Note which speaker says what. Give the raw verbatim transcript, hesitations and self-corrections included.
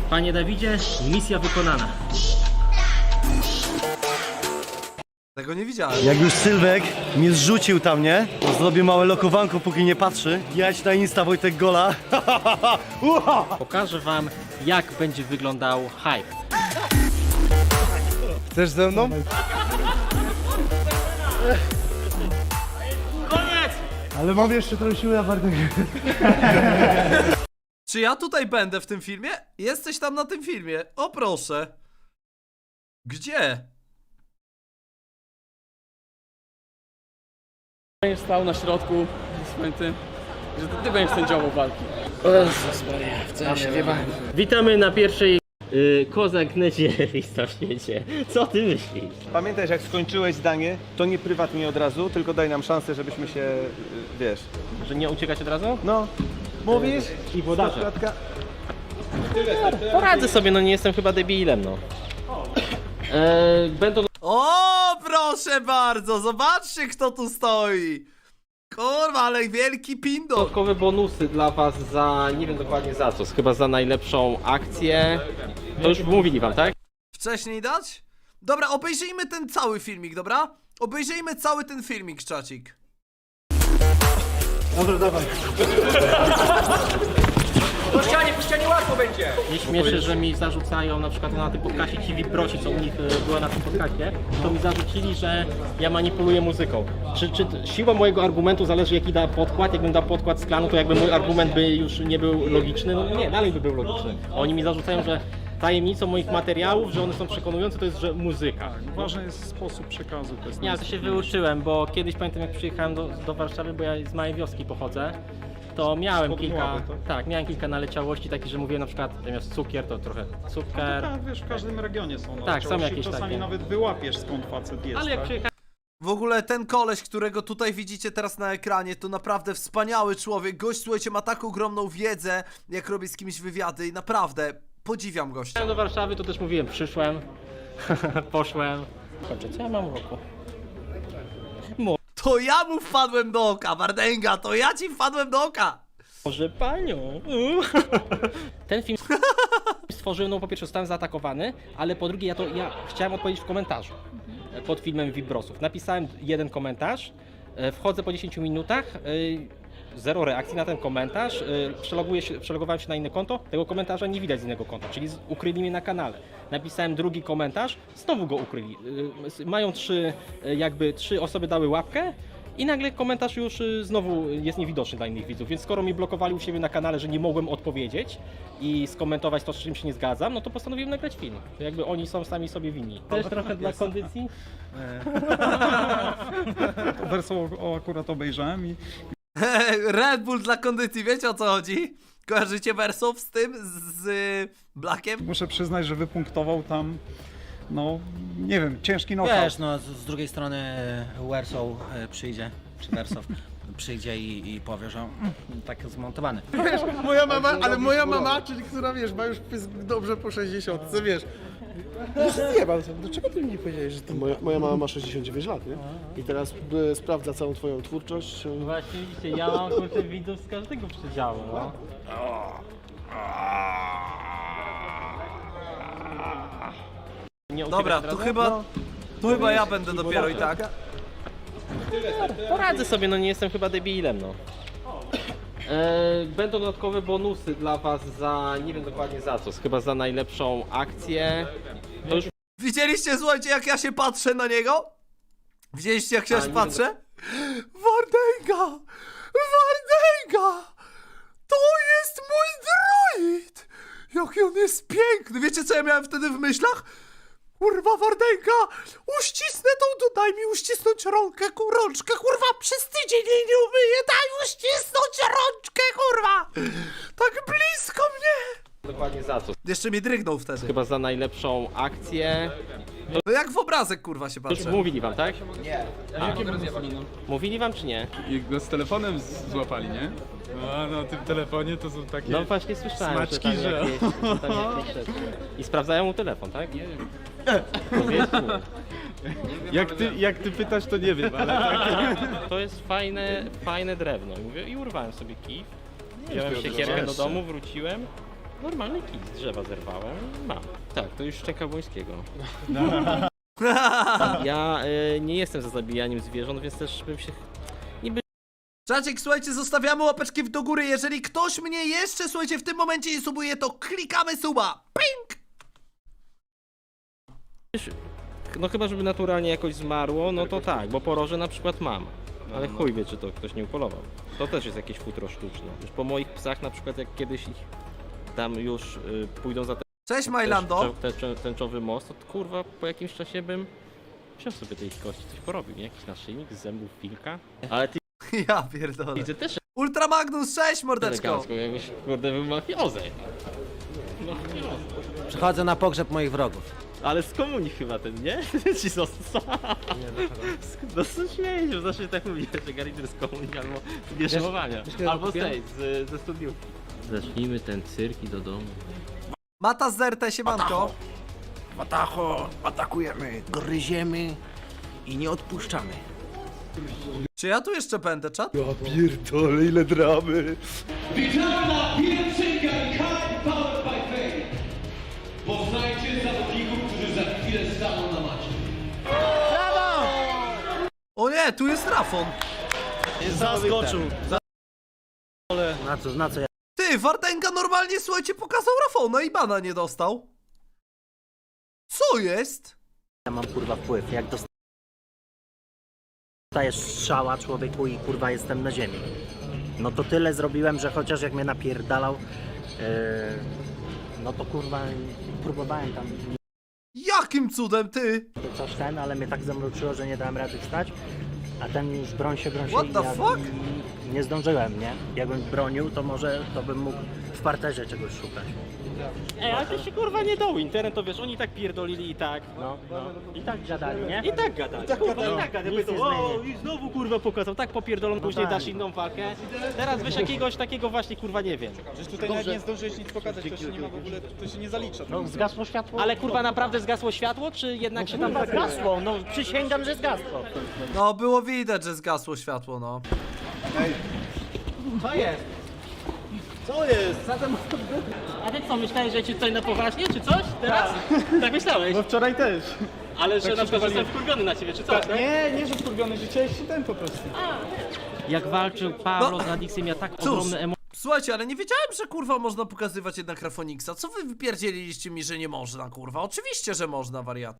Speaker 1: Panie Dawidzie, misja wykonana.
Speaker 2: Tego nie widziałem.
Speaker 3: Jak już Sylwek mnie zrzucił tam, nie? To zrobię małe lokowanko, póki nie patrzy. Jadź na Insta Wojtek Gola.
Speaker 1: Pokażę wam, jak będzie wyglądał hype.
Speaker 3: Chcesz ze mną?
Speaker 1: Koniec!
Speaker 3: Ale mam jeszcze trochę siły na Bartek.
Speaker 2: Czy ja tutaj będę w tym filmie? Jesteś tam na tym filmie. O proszę. Gdzie?
Speaker 4: Będziesz stał na środku swoim tym, że to ty będziesz sędziową walki.
Speaker 1: Witamy na pierwszej y, Kozak Necie lista w świecie. Co ty myślisz?
Speaker 5: Pamiętaj, że jak skończyłeś zdanie, to nie prywatnie od razu, tylko daj nam szansę, żebyśmy się, y, wiesz...
Speaker 1: Że nie uciekać od razu?
Speaker 5: No, mówisz?
Speaker 1: I włodarze.
Speaker 5: Klatka.
Speaker 1: Poradzę sobie, no nie jestem chyba debilem, no. E, będą
Speaker 2: O, proszę bardzo, zobaczcie kto tu stoi. Kurwa, ale wielki pindo.
Speaker 1: dodatkowe bonusy dla was za, nie wiem dokładnie za co, chyba za najlepszą akcję. To już mówili wam, tak?
Speaker 2: Wcześniej dać? Dobra, obejrzyjmy ten cały filmik, dobra? Obejrzyjmy cały ten filmik, czacik.
Speaker 1: Nie śmieszę, że mi zarzucają na przykład na tym podcaście ci Wiprosi, co u nich e, była na tym podcaście, to mi zarzucili, że ja manipuluję muzyką. Czy, czy siła mojego argumentu zależy jaki da podkład? Jakbym dał podkład z klanu, to jakby mój argument by już nie był logiczny? No nie, dalej by był logiczny. Oni mi zarzucają, że tajemnicą moich materiałów, że one są przekonujące, to jest, że muzyka.
Speaker 6: Ważny jest sposób przekazu. To jest
Speaker 1: Ja to się wyuczyłem, bo kiedyś pamiętam jak przyjechałem do, do Warszawy, bo ja z małej wioski pochodzę, to miałem
Speaker 6: Spod
Speaker 1: kilka,
Speaker 6: Mławy, tak?
Speaker 1: tak, miałem kilka naleciałości takich, że mówiłem na przykład zamiast cukier to trochę cukier.
Speaker 6: Tak, wiesz, w każdym regionie są
Speaker 1: Tak, są
Speaker 6: naleciałości.
Speaker 1: jakieś
Speaker 6: Czasami
Speaker 1: takie.
Speaker 6: nawet wyłapiesz skąd facet jest,
Speaker 1: Ale jak
Speaker 6: tak?
Speaker 1: przyjechałem
Speaker 2: W ogóle ten koleś, którego tutaj widzicie teraz na ekranie, to naprawdę wspaniały człowiek. Gość, słuchajcie, ma taką ogromną wiedzę, jak robi z kimś wywiady i naprawdę podziwiam gościa.
Speaker 1: do Warszawy, to też mówiłem, przyszłem, poszłem. Kurczę, co ja mam w roku?
Speaker 2: To ja mu wpadłem do oka, Wardęga, to ja ci wpadłem do oka.
Speaker 1: Może panią. Ten film stworzyłem, no po pierwsze zostałem zaatakowany, ale po drugie ja to ja chciałem odpowiedzieć w komentarzu pod filmem Wibrosów. Napisałem jeden komentarz, e, wchodzę po dziesięciu minutach, e, zero reakcji na ten komentarz, e, przeloguję się, przelogowałem się na inne konto, tego komentarza nie widać z innego konta, czyli z, ukryli mnie na kanale. Napisałem drugi komentarz, znowu go ukryli. E, mają trzy, e, jakby trzy osoby dały łapkę, i nagle komentarz już y, znowu jest niewidoczny dla innych widzów, więc skoro mi blokowali u siebie na kanale, że nie mogłem odpowiedzieć i skomentować to, z czym się nie zgadzam, no to postanowiłem nagrać film. To jakby oni są sami sobie winni. Też trochę dla kondycji?
Speaker 6: Wersą o, akurat obejrzałem i
Speaker 2: Red Bull dla kondycji, wiecie o co chodzi? Kojarzycie Wersów z tym, z, z y, Blackiem?
Speaker 6: muszę przyznać, że wypunktował tam, no, nie wiem, ciężki knockout.
Speaker 7: Wiesz, no z, z drugiej strony Wersow e, przyjdzie, czy Wersow przyjdzie i, i powie, że mm, tak zmontowany.
Speaker 8: Moja mama, ale moja mama, czyli która wiesz, ma już pysk dobrze po sześćdziesiątce, wiesz. Nie mam, dlaczego ty mi nie powiedziałeś, że to moja, moja mama ma sześćdziesiąt dziewięć lat, nie? I teraz e, sprawdza całą twoją twórczość. e,
Speaker 1: Właśnie widzicie, ja mam kurczę widzów z każdego przedziału, no. Nie
Speaker 2: Dobra,
Speaker 1: uciekać
Speaker 2: to
Speaker 1: od razu?
Speaker 2: chyba, to chyba ja będę dopiero i tak.
Speaker 1: Poradzę sobie, no nie jestem chyba debilem, no. E, będą dodatkowe bonusy dla was za, nie wiem dokładnie za co, chyba za najlepszą akcję. To już
Speaker 2: Widzieliście, słuchajcie, jak ja się patrzę na niego? Widzieliście, jak się
Speaker 1: A,
Speaker 2: się
Speaker 1: nie
Speaker 2: patrzę? Wardęga! Wardęga! To jest mój droid! Jaki on jest piękny! Wiecie, co ja miałem wtedy w myślach? Kurwa, Wardęga! Uścisnę tą, tu daj mi uścisnąć rąkę, ku, rączkę, kurwa, przez tydzień jej nie umyję, daj uścisnąć rączkę, kurwa! Tak blisko mnie!
Speaker 1: dokładnie za co,
Speaker 2: Jeszcze mnie drygnął wtedy.
Speaker 1: chyba za najlepszą akcję.
Speaker 2: No jak w obrazek, kurwa, się
Speaker 1: To już
Speaker 2: patrzę.
Speaker 1: mówili wam, tak? Nie. Mówili wam czy nie?
Speaker 9: I go z telefonem z- złapali, nie? A na tym telefonie to są takie...
Speaker 1: No właśnie słyszałem,
Speaker 9: Smaczki,
Speaker 1: że tam
Speaker 9: że-
Speaker 1: jakieś, że tam jakieś rzeczy. I sprawdzają mu telefon, tak? Nie wiem. No wiesz, nie.
Speaker 9: Jak ty, jak ty pytasz, to nie wiem, ale tak.
Speaker 1: To jest fajne, fajne drewno. I mówię, i urwałem sobie kij. Wziąłem siekierkę do domu, wróciłem. Normalny kij z drzewa zerwałem, mam. Tak, to już szczęka Błońskiego. Ja y, nie jestem za zabijaniem zwierząt, więc też bym się... Niby
Speaker 2: Czaczek, słuchajcie, zostawiamy łapeczki w do góry. Jeżeli ktoś mnie jeszcze, słuchajcie, w tym momencie nie subuje, to klikamy suba. Ping!
Speaker 1: No chyba, żeby naturalnie jakoś zmarło, no to tak, bo poroże na przykład mam. Ale chuj wie, czy to ktoś nie upolował. To też jest jakieś futro sztuczne. Już po moich psach na przykład, jak kiedyś ich tam już y, pójdą za ten
Speaker 2: Cześć, Majlando.
Speaker 1: tęczo- tęczowy most, to kurwa po jakimś czasie bym wziął sobie tej kości, coś porobił, nie? Jakiś naszyjnik z zębów wilka. Ale ty
Speaker 2: Ja pierdolę.
Speaker 1: widzę też
Speaker 2: Ultra Magnus, cześć, mordeczko.
Speaker 1: elegancko, jakbyś kurde był mafiozę. Mafiozo.
Speaker 7: Przychodzę na pogrzeb moich wrogów.
Speaker 1: Ale z komunii chyba ten, nie? Ci został. No co śmiejesz, bo zawsze tak mówię, że Garider z komunii albo z wieszowania. Albo z tej, z, ze studiówki. Zacznijmy ten cyrk i do domu.
Speaker 2: Mata z R T, siemanko.
Speaker 7: Watacho, atakujemy, gryziemy i nie odpuszczamy.
Speaker 2: Czy ja tu jeszcze będę, czat?
Speaker 3: Ja pierdolę, ile dramy.
Speaker 10: Witalna pierwszynka High Powered by Fame. Poznajcie zawodników, którzy za chwilę staną na macie.
Speaker 2: O nie, tu jest Rafon.
Speaker 3: Zaskoczył.
Speaker 7: Na co, na co ja?
Speaker 2: Ty, Wardęga normalnie, słuchajcie, pokazał Rafona i bana nie dostał. Co jest?
Speaker 7: Ja mam kurwa wpływ, jak dostajesz strzała człowieku i kurwa jestem na ziemi. No to tyle zrobiłem, że chociaż jak mnie napierdalał, yy, no to kurwa próbowałem tam
Speaker 2: Jakim cudem, ty?
Speaker 7: coś ten, ale mnie tak zamroczyło, że nie dałem rady wstać, a ten już broń się, broń się
Speaker 2: What
Speaker 7: i
Speaker 2: the
Speaker 7: ja
Speaker 2: fuck?
Speaker 7: i nie zdążyłem, nie? Jakbym bronił, to może to bym mógł w parterze czegoś szukać.
Speaker 1: Ej, ale to się kurwa nie dało, internet to wiesz, oni tak pierdolili i tak.
Speaker 7: No, no. I tak gadali, nie?
Speaker 1: I tak gadali, kurwa, i tak gadali.
Speaker 7: Nic nie
Speaker 1: O,
Speaker 7: zmieni.
Speaker 1: i znowu kurwa pokazał, tak popierdolą, później
Speaker 7: tak.
Speaker 1: dasz inną walkę. Teraz wiesz jakiegoś takiego właśnie kurwa nie wiem.
Speaker 9: Przecież tutaj nawet nie zdążyłeś nic pokazać, to się nie ma w ogóle, to się nie zalicza.
Speaker 7: No, zgasło światło?
Speaker 1: Ale kurwa naprawdę zgasło światło, czy jednak się tam
Speaker 7: Zgasło, no przysięgam, że zgasło.
Speaker 2: No, było widać, że zgasło światło, no.
Speaker 1: A ty co, myślałeś, że ci tutaj na poważnie, czy coś? Teraz? Tak myślałeś?
Speaker 9: No wczoraj też.
Speaker 1: Ale że
Speaker 9: tak
Speaker 1: na
Speaker 9: się
Speaker 1: przykład
Speaker 9: powaliłem.
Speaker 1: jestem wkurwiony na ciebie, czy coś? tak?
Speaker 9: Nie, nie, że wkurwiony, że chciałeś się ten po prostu.
Speaker 1: Jak walczył Pablo
Speaker 2: No.
Speaker 1: z Adixem, ja tak
Speaker 2: Cóż,
Speaker 1: ogromne emocje.
Speaker 2: słuchajcie, ale nie wiedziałem, że kurwa można pokazywać jednak Rafoniksa. Co wy wypierdzieliliście mi, że nie można, kurwa? Oczywiście, że można, wariat.